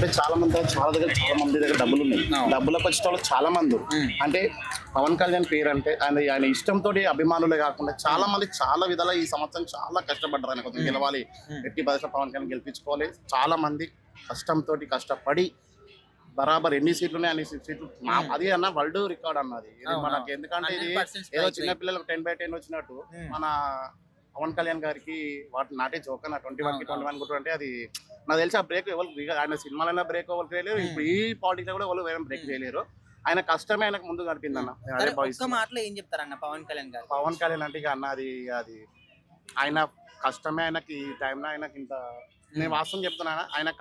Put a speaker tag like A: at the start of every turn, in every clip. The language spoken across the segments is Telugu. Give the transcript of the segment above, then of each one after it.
A: అంటే చాలా మంది దగ్గర డబ్బులు ఉన్నాయి. డబ్బులకు వచ్చిన వాళ్ళు చాలా మంది అంటే పవన్ కళ్యాణ్ పేరు అంటే ఆయన ఇష్టంతో అభిమానులే కాకుండా చాలా మంది చాలా విధాలు ఈ సంవత్సరం చాలా కష్టపడ్డారు. ఆయన కొంచెం గెలవాలి, ఎట్టి పరిస్థితి పవన్ కళ్యాణ్ గెలిపించుకోవాలి. చాలా మంది కష్టంతో కష్టపడి బరాబర్ ఎన్ని సీట్లు ఉన్నాయి అన్ని సీట్లు అది అన్న వరల్డ్ రికార్డ్ అన్నది మనకి. ఎందుకంటే ఇది ఏదో చిన్న పిల్లలకు 10/10 వచ్చినట్టు మన పవన్ కళ్యాణ్ గారికి వాటి నాటే జోక్ అన్న 21 గుట్టు అంటే అది నాకు తెలిసి ఆ బ్రేక్ ఎవరు ఆయన సినిమాలైనా బ్రేక్ ఎవరు చేయలేరు, ఇప్పుడు ఈ పాలిటిక్స్ కూడా ఎవరు వేరే బ్రేక్ చేయలేరు. ఆయన కష్టమే ఆయనకు ముందు కనిపింది అన్న.
B: మాటలో ఏం చెప్తారన్న పవన్ కళ్యాణ్ గారు?
A: పవన్ కళ్యాణ్ అంటే ఇక అన్న అది ఆయన కష్టమే. ఆయనకి ఈ టైంలో ఆయనకి ఇంత నేను వాస్తవం చెప్తున్నా.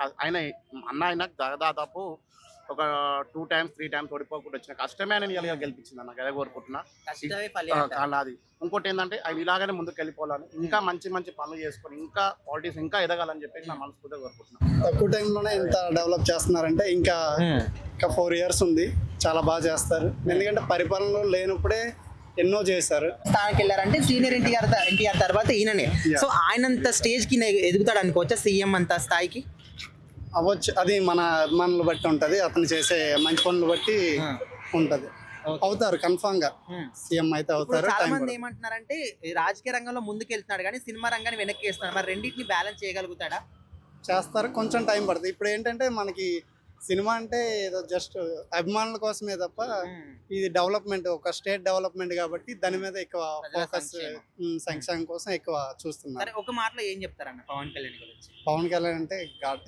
A: ఆయన దాదాపు ఒక 2 times 3 times ఓడిపోకుండా వచ్చిన కష్టమే ఆయన గెలిపించింది అన్న. అదే కోరుకుంటున్నా. అది ఇంకోటి ఏంటంటే ఆయన ఇలాగనే ముందుకు వెళ్ళిపోవాలని, ఇంకా మంచి మంచి పనులు చేసుకొని ఇంకా పాలిటిక్స్ ఇంకా ఎదగాలని చెప్పేసి నా మనస్ఫూర్తిగా కోరుకుంటున్నాను.
C: తక్కువ టైంలోనే ఇంత డెవలప్ చేస్తున్నారంటే ఇంకా 4 years ఉంది, చాలా బాగా చేస్తారు. ఎందుకంటే పరిపాలనలో లేనప్పుడే ఎన్నో చేశారు.
B: స్థానానికి వెళ్ళారంటే సీనియర్ ఎన్టీఆర్ తర్వాత ఈయననే. సో ఆయనంత స్టేజ్ కి ఎదుగుతాడు అనుకోవచ్చా? సీఎం అంత స్థాయికి
C: అవ్వచ్చు. అది మన అభిమానులు బట్టి ఉంటది, అతను చేసే మంచి పనులు బట్టి ఉంటది. అవుతారు, కన్ఫామ్ గా సీఎం అయితే అవుతారు.
B: చాలా మంది ఏమంటున్నారంటే రాజకీయ రంగంలో ముందుకు వెళ్తున్నాడు కానీ సినిమా రంగాన్ని వెనక్కి వేస్తున్నాడు. మరి రెండింటిని బ్యాలెన్స్ చేయగలుగుతాడా?
C: చేస్తారు, కొంచెం టైం పడుతుంది. ఇప్పుడు ఏంటంటే మనకి సినిమా అంటే ఏదో జస్ట్ అభిమానుల కోసమే తప్ప ఇది డెవలప్మెంట్, ఒక స్టేట్ డెవలప్మెంట్ కాబట్టి దాని మీద ఎక్కువ ఫోకస్, సంక్షేమం కోసం ఎక్కువ చూస్తున్నారు.
B: ఒక మాటలో ఏం చెప్తారన్న పవన్ కళ్యాణ్ గురించి?
C: పవన్ కళ్యాణ్ అంటే గాడ్.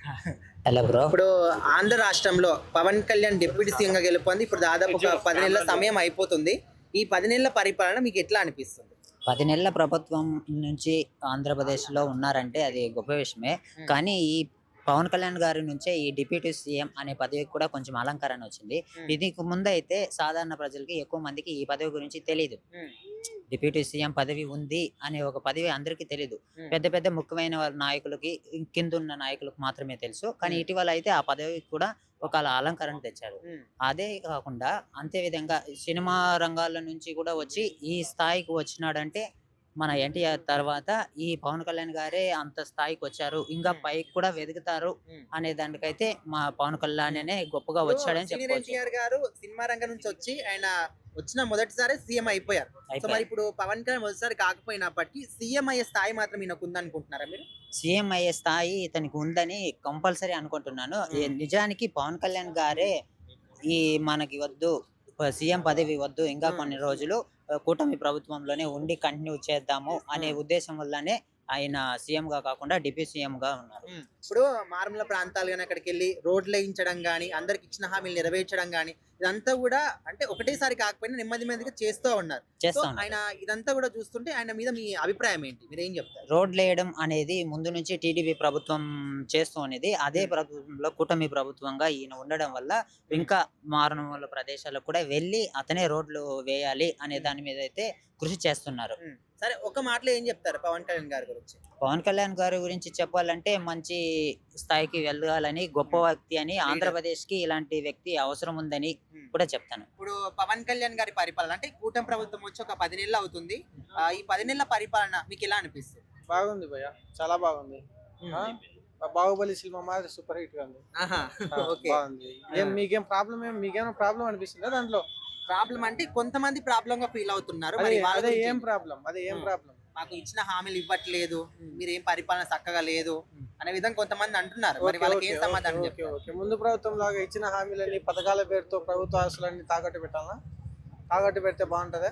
B: ఇప్పుడు ఆంధ్ర రాష్ట్రంలో పవన్ కళ్యాణ్ డిప్యూటీ సీఎం గా గెలుపొంది ఇప్పుడు దాదాపు ఒక 10 నెలల సమయం అయిపోతుంది. ఈ 10 నెలల పరిపాలన మీకు ఎట్లా అనిపిస్తుంది?
D: 10 నెలల ప్రభుత్వం నుంచి ఆంధ్రప్రదేశ్లో ఉన్నారంటే అది గొప్ప విషయమే. కానీ ఈ పవన్ కళ్యాణ్ గారి నుంచే ఈ డిప్యూటీ సీఎం అనే పదవికి కూడా కొంచెం అలంకరణ వచ్చింది. దీనికి ముందు అయితే సాధారణ ప్రజలకి ఎక్కువ మందికి ఈ పదవి గురించి తెలియదు. డిప్యూటీ సీఎం పదవి ఉంది అనే ఒక పదవి అందరికీ తెలియదు. పెద్ద పెద్ద ముఖ్యమైన నాయకులకి, కిందున్న నాయకులకు మాత్రమే తెలుసు. కానీ ఇటీవల అయితే ఆ పదవికి కూడా ఒక అలంకరణ తెచ్చారు. అదే కాకుండా అంతే విధంగా సినిమా రంగాల నుంచి కూడా వచ్చి ఈ స్థాయికి వచ్చినాడంటే మన ఎన్టీఆర్ తర్వాత ఈ పవన్ కళ్యాణ్ గారే అంత స్థాయికి వచ్చారు, ఇంకా పైకి కూడా వెతుకుతారు అనే దానికైతే మా పవన్ కళ్యాణ్ అనే గొప్పగా వచ్చాడని చెప్పవచ్చు.
B: ఎన్టీఆర్ గారు సినిమా రంగం నుంచి వచ్చి ఆయన వచ్చిన మొదటిసారి సీఎం అయిపోయారు. సో మరి ఇప్పుడు పవన్ కళ్యాణ్ మొదటిసారి కాకపోయినప్పటికీ సీఎం అయ్యే స్థాయి మాత్రం ఈయనకు ఉందనుకుంటున్నారా మీరు?
D: సీఎం అయ్యే స్థాయి ఇతనికి ఉందని కంపల్సరీ అనుకుంటున్నాను. నిజానికి పవన్ కళ్యాణ్ గారే ఈ మనకి వద్దు, సీఎం పదవి వద్దు, ఇంకా కొన్ని రోజులు కూటమి ప్రభుత్వంలోనే ఉండి కంటిన్యూ చేద్దాము అనే ఉద్దేశం వల్లనే ఆయన సీఎం గా కాకుండా డిప్యూటీ సీఎం గా ఉన్నారు.
B: ఇప్పుడు మారుమూల ప్రాంతాలు కానీ అక్కడికి వెళ్ళి రోడ్లు వేయించడం కానీ, అందరికి ఇచ్చిన హామీలు నెరవేర్చడం కానీ, ఇదంతా కూడా అంటే ఒకటేసారి కాకపోయినా నెమ్మదిగా చేస్తూ ఉన్నారు. ఆయన ఇదంతా కూడా చూస్తుంటే ఆయన మీద మీ అభిప్రాయం ఏంటి? మీరు ఏం చెప్తారు?
D: రోడ్లు వేయడం అనేది ముందు నుంచి టీడీపీ ప్రభుత్వం చేస్తూ అనేది. అదే ప్రభుత్వంలో కూటమి ప్రభుత్వంగా ఈయన ఉండడం వల్ల ఇంకా మారుమూల ప్రదేశాలకు కూడా వెళ్ళి అతనే రోడ్లు వేయాలి అనే దాని మీద అయితే కృషి చేస్తున్నారు.
B: సరే, ఒక మాటలో ఏం చెప్తారు పవన్ కళ్యాణ్ గారి గురించి?
D: పవన్ కళ్యాణ్ గారి గురించి చెప్పాలంటే మంచి స్థాయికి వెళ్ళాలని, గొప్ప వ్యక్తి అని, ఆంధ్రప్రదేశ్ కి ఇలాంటి వ్యక్తి అవసరం ఉందని కూడా చెప్తాను.
B: ఇప్పుడు పవన్ కళ్యాణ్ గారి పరిపాలన అంటే కూటమి ప్రభుత్వం వచ్చి ఒక 10 నెలలు అవుతుంది. ఈ 10 నెలల పరిపాలన మీకు ఎలా అనిపిస్తుంది?
E: బాగుంది భయ్య, చాలా బాగుంది. బాహుబలి సినిమా మాత్రం సూపర్ హిట్ గా ఉంది. బాగుంది. మీకేం ప్రాబ్లం అనిపిస్తుందా దాంట్లో?
B: ప్రాబ్లం అంటే కొంతమంది ప్రాబ్లం గా ఫీల్ అవుతున్నారు.
E: ఏం ప్రాబ్లం?
B: మాకు ఇచ్చిన హామీలు ఇవ్వట్లేదు, మీరు ఏం పరిపాలన చక్కగా లేదు అనే విధంగా కొంతమంది అంటున్నారు. మరి వాళ్ళకి ఏం సమాధానం చెప్తారు?
E: ముందు ప్రభుత్వం లాగా ఇచ్చిన హామీలన్నీ పథకాల పేరుతో ప్రభుత్వ ఆస్తులన్నీ తాకట్టు పెట్టాలా? తాకట్టు పెడితే బాగుంటదా?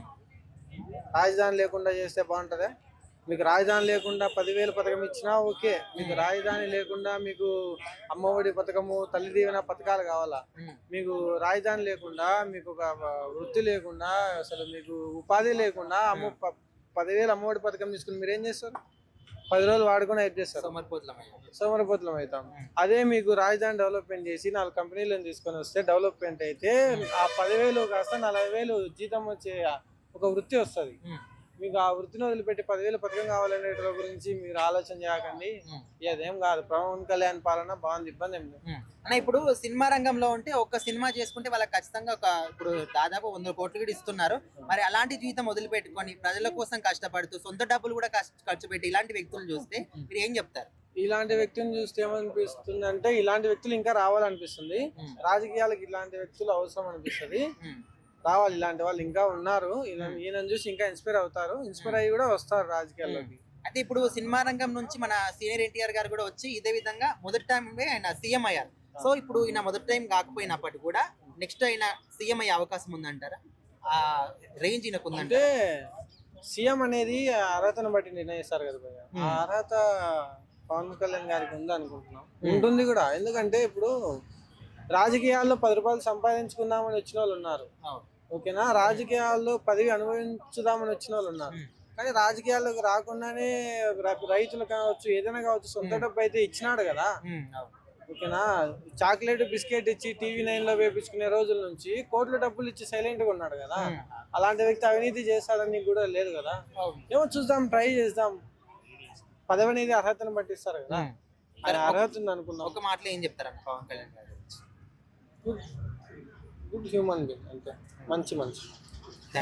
E: రాజధాని లేకుండా చేస్తే బాగుంటదా? మీకు రాజధాని లేకుండా 10,000 పథకం ఇచ్చినా ఓకే, మీకు రాజధాని లేకుండా మీకు అమ్మఒడి పథకము, తల్లి దీవెన పథకాలు కావాలా? మీకు రాజధాని లేకుండా, మీకు ఒక వృత్తి లేకుండా, అసలు మీకు ఉపాధి లేకుండా 10,000 అమ్మఒడి పథకం తీసుకుని మీరు ఏం చేస్తారు? 10 రోజులు వాడుకొని హెల్ప్ చేస్తారు, సోమరపోతులం అవుతాం. అదే మీకు రాజధాని డెవలప్మెంట్ చేసి 4 కంపెనీలను తీసుకొని వస్తే డెవలప్మెంట్ అయితే ఆ 10,000 కాస్త 40,000 జీతం వచ్చే ఒక వృత్తి వస్తుంది. మీకు ఆ వృత్తిని వదిలిపెట్టి 10,000 పథకం కావాలనే గురించి మీరు ఆలోచన చేయకండి. అదేం కాదు, పవన్ కళ్యాణ్ పాలన బాగుంది, ఇబ్బంది ఏం లేదు.
B: అన్న ఇప్పుడు సినిమా రంగంలో ఉంటే ఒక్క సినిమా చేసుకుంటే వాళ్ళకి ఖచ్చితంగా ఇప్పుడు దాదాపు 100 కోట్లు కూడా ఇస్తున్నారు. మరి అలాంటి జీవితం వదిలిపెట్టుకొని ప్రజల కోసం కష్టపడుతూ సొంత డబ్బులు కూడా ఖర్చు పెట్టి ఇలాంటి వ్యక్తులను చూస్తే మీరు ఏం చెప్తారు?
E: ఇలాంటి వ్యక్తిని చూస్తే ఏమనిపిస్తుంది అంటే ఇలాంటి వ్యక్తులు ఇంకా రావాలనిపిస్తుంది. రాజకీయాలకు ఇలాంటి వ్యక్తులు అవసరం అనిపిస్తుంది. రావాలి, ఇలాంటి వాళ్ళు ఇంకా ఉన్నారు. ఈయన చూసి ఇంకా ఇన్స్పైర్ అవుతారు, ఇన్స్పైర్ అయ్యి కూడా వస్తారు రాజకీయాల్లోకి.
B: అయితే ఇప్పుడు సినిమా రంగం నుంచి మన సీనియర్ ఎన్టీఆర్ గారు కూడా వచ్చి ఇదే విధంగా మొదటి టైం ఆయన సీఎం అయ్యారు. సో ఇప్పుడు ఈయన మొదటి టైం కాకపోయినప్పటికీ కూడా నెక్స్ట్ ఆయన సీఎం అయ్యే అవకాశం ఉందంటారా? ఆ రేంజ్ ఈయనకు ఉందంటే
E: సీఎం అనేది అర్హతను బట్టి నిర్ణయిస్తారు కదా భయ్య. ఆ అర్హత పవన్ కళ్యాణ్ గారికి ఉంది అనుకుంటున్నాం, ఉంటుంది కూడా. ఎందుకంటే ఇప్పుడు రాజకీయాల్లో 10 రూపాయలు సంపాదించుకుందామని వచ్చిన వాళ్ళు ఉన్నారు, ఓకేనా. రాజకీయాల్లో పదవి అనుభవించుదామని వచ్చిన వాళ్ళు ఉన్నారు. కానీ రాజకీయాల్లోకి రాకుండానే రైతులు కావచ్చు, ఏదైనా కావచ్చు, సొంత డబ్బు అయితే ఇచ్చినాడు కదా, ఓకేనా. చాక్లెట్ బిస్కెట్ ఇచ్చి TV9 లో వేపించుకునే రోజుల నుంచి కోట్ల డబ్బులు ఇచ్చి సైలెంట్ గా ఉన్నాడు కదా. అలాంటి వ్యక్తి అవినీతి చేస్తాడని కూడా లేదు కదా. ఏమో చూద్దాం, ట్రై చేద్దాం. పదవి అనేది అర్హతను బట్టి ఇస్తారు కదా, ఆయన అర్హత ఉంది అనుకున్నాం.
B: ఒక మాటలో ఏం చెప్తారన్న పవన్ కళ్యాణ్ గారు?
E: గుడ్ హ్యూమన్ బీయింగ్, అంటే మంచి